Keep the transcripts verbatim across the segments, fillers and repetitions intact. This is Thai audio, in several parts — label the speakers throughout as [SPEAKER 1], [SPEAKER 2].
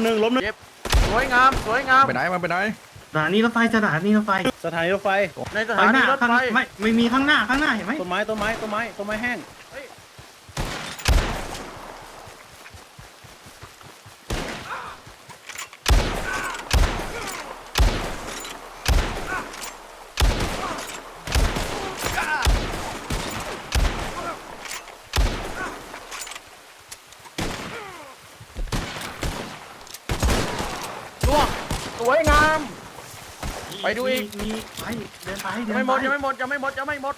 [SPEAKER 1] หนึ่งล้มหนึ่ง
[SPEAKER 2] สวยงามสวยงาม
[SPEAKER 3] ไปไหนมาไปไหน
[SPEAKER 4] สถานีรถไฟสถานีรถไฟ
[SPEAKER 1] สถานีรถไฟ
[SPEAKER 2] ในสถานีรถไฟ
[SPEAKER 4] ไม่ไม่มีข้างหน้าข้างหน้าเห็นไหม
[SPEAKER 1] ต้นไม้ต้นไม้ต้นไม้ต้นไม้แห้ง
[SPEAKER 2] ล่วงสวยงามไปดูอีก
[SPEAKER 4] มีไปเดินไป
[SPEAKER 2] ยังไม่หมดยังไม่หมดยังไม่หมดยังไม่หมด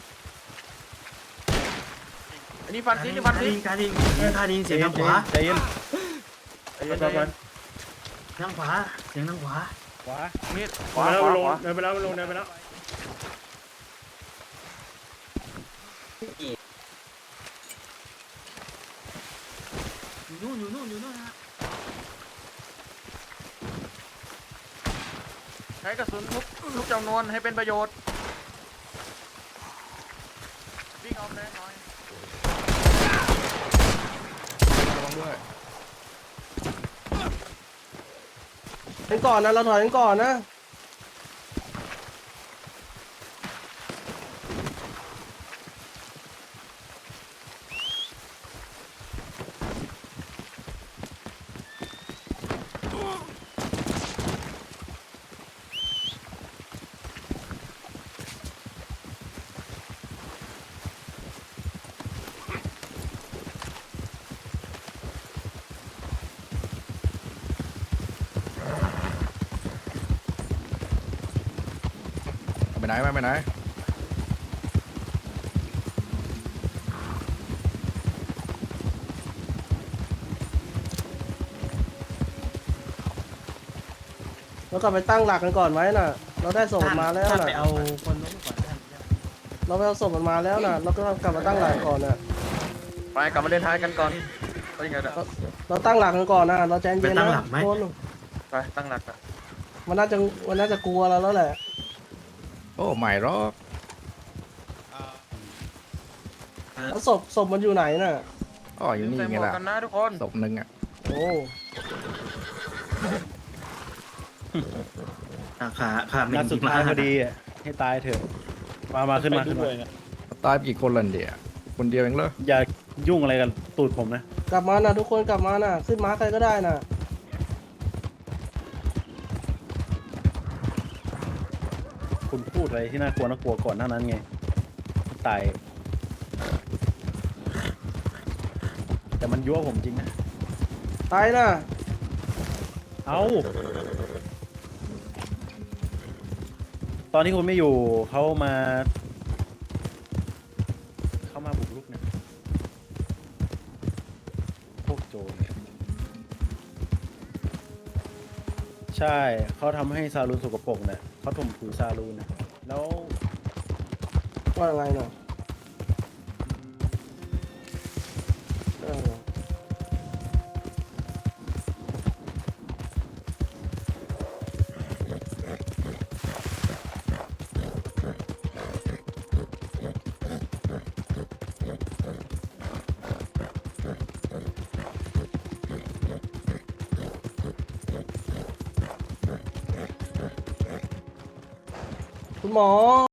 [SPEAKER 2] อันนี้ฟันทิ้งฟันทิ้ง
[SPEAKER 4] การดิงการดิงเสียงทางขวา
[SPEAKER 1] ใจเย็น
[SPEAKER 2] ไอ้ยันยัน
[SPEAKER 4] ทางขวาเสียงทางขวา
[SPEAKER 1] ขวา
[SPEAKER 2] มีดข
[SPEAKER 1] ข
[SPEAKER 2] วาว
[SPEAKER 1] า
[SPEAKER 2] ขวา
[SPEAKER 1] ลง
[SPEAKER 2] ขวา
[SPEAKER 1] เดินไปแล้วลงเดินไปแล้ว
[SPEAKER 4] อยู่นู่นอยู่นู่นอยู่นู่นนะ
[SPEAKER 2] ใช้กระสุนทุกทุกจำนวนให้เป็นประโยชน์วิ่งเอาแรงหน่อย
[SPEAKER 3] ระวังด้วย
[SPEAKER 5] กันก่อนนะเราถอยกันก่อนนะ
[SPEAKER 3] ไปไหนมาไปไหน
[SPEAKER 5] เรากลับไปตั้งหลักกันก่อนไว้น่ะเราได้ศพมันมาแล้ว
[SPEAKER 4] ท่าน
[SPEAKER 5] น่ะ
[SPEAKER 4] ไปเอาคนล้มก่อนท่าน
[SPEAKER 5] เราไปเอาศพมันมาแล้วน่ะเราก็กลับมาตั้งหลักก่อนน่ะ
[SPEAKER 2] ไปกลับมาเล่นท้ายกันก่อนไปยังไงล่ะ
[SPEAKER 5] เราตั้งหลักกันก่อนนะเราใจเย็นนะโคน
[SPEAKER 2] ไปตั้งหลักอ่ะ
[SPEAKER 5] มันน่าจะมันน่าจะกลัวเราแล้วแหละ
[SPEAKER 3] โอ้ไม่หรอก
[SPEAKER 5] แล้วศพศพมันอยู่ไหนน่ะ
[SPEAKER 3] อ๋ออยู่นี่
[SPEAKER 2] ใส่ห
[SPEAKER 3] ไง
[SPEAKER 2] มวก
[SPEAKER 3] ล่ะ
[SPEAKER 2] กันนะทุกคน
[SPEAKER 3] ศพหนึ่งอ่ะ
[SPEAKER 5] โอ้
[SPEAKER 4] ขาขา
[SPEAKER 1] นัดสุดท้ายพอดีอ่ะให้ตายเถอะมามาขึ้นมาขึ้นมา
[SPEAKER 3] ตายไปกี่คนล่ะเดี๋ยวคนเดียวเองเหรอ
[SPEAKER 1] อย่ายุ่งอะไรกันตูดผมนะ
[SPEAKER 5] กลับมาน่ะทุกคนกลับมาน่ะขึ้นม้าใครก็ได้น่ะ
[SPEAKER 1] คุณพูดอะไรที่น่ากลัวน่ากลัวก่อนหน้านั้นไงตายแต่มันยั่วผมจริงนะ
[SPEAKER 5] ตายน่ะ
[SPEAKER 1] เอาตอนที่คุณไม่อยู่เขามาเขามาบุกรุกเนี่ยพวกโจรใช่เขาทำให้ซาลูนสกปรกเนี่ยเขาถมถุยซาลูนนะแล้ว
[SPEAKER 5] ว่าไงน่ะเออคุณหมอ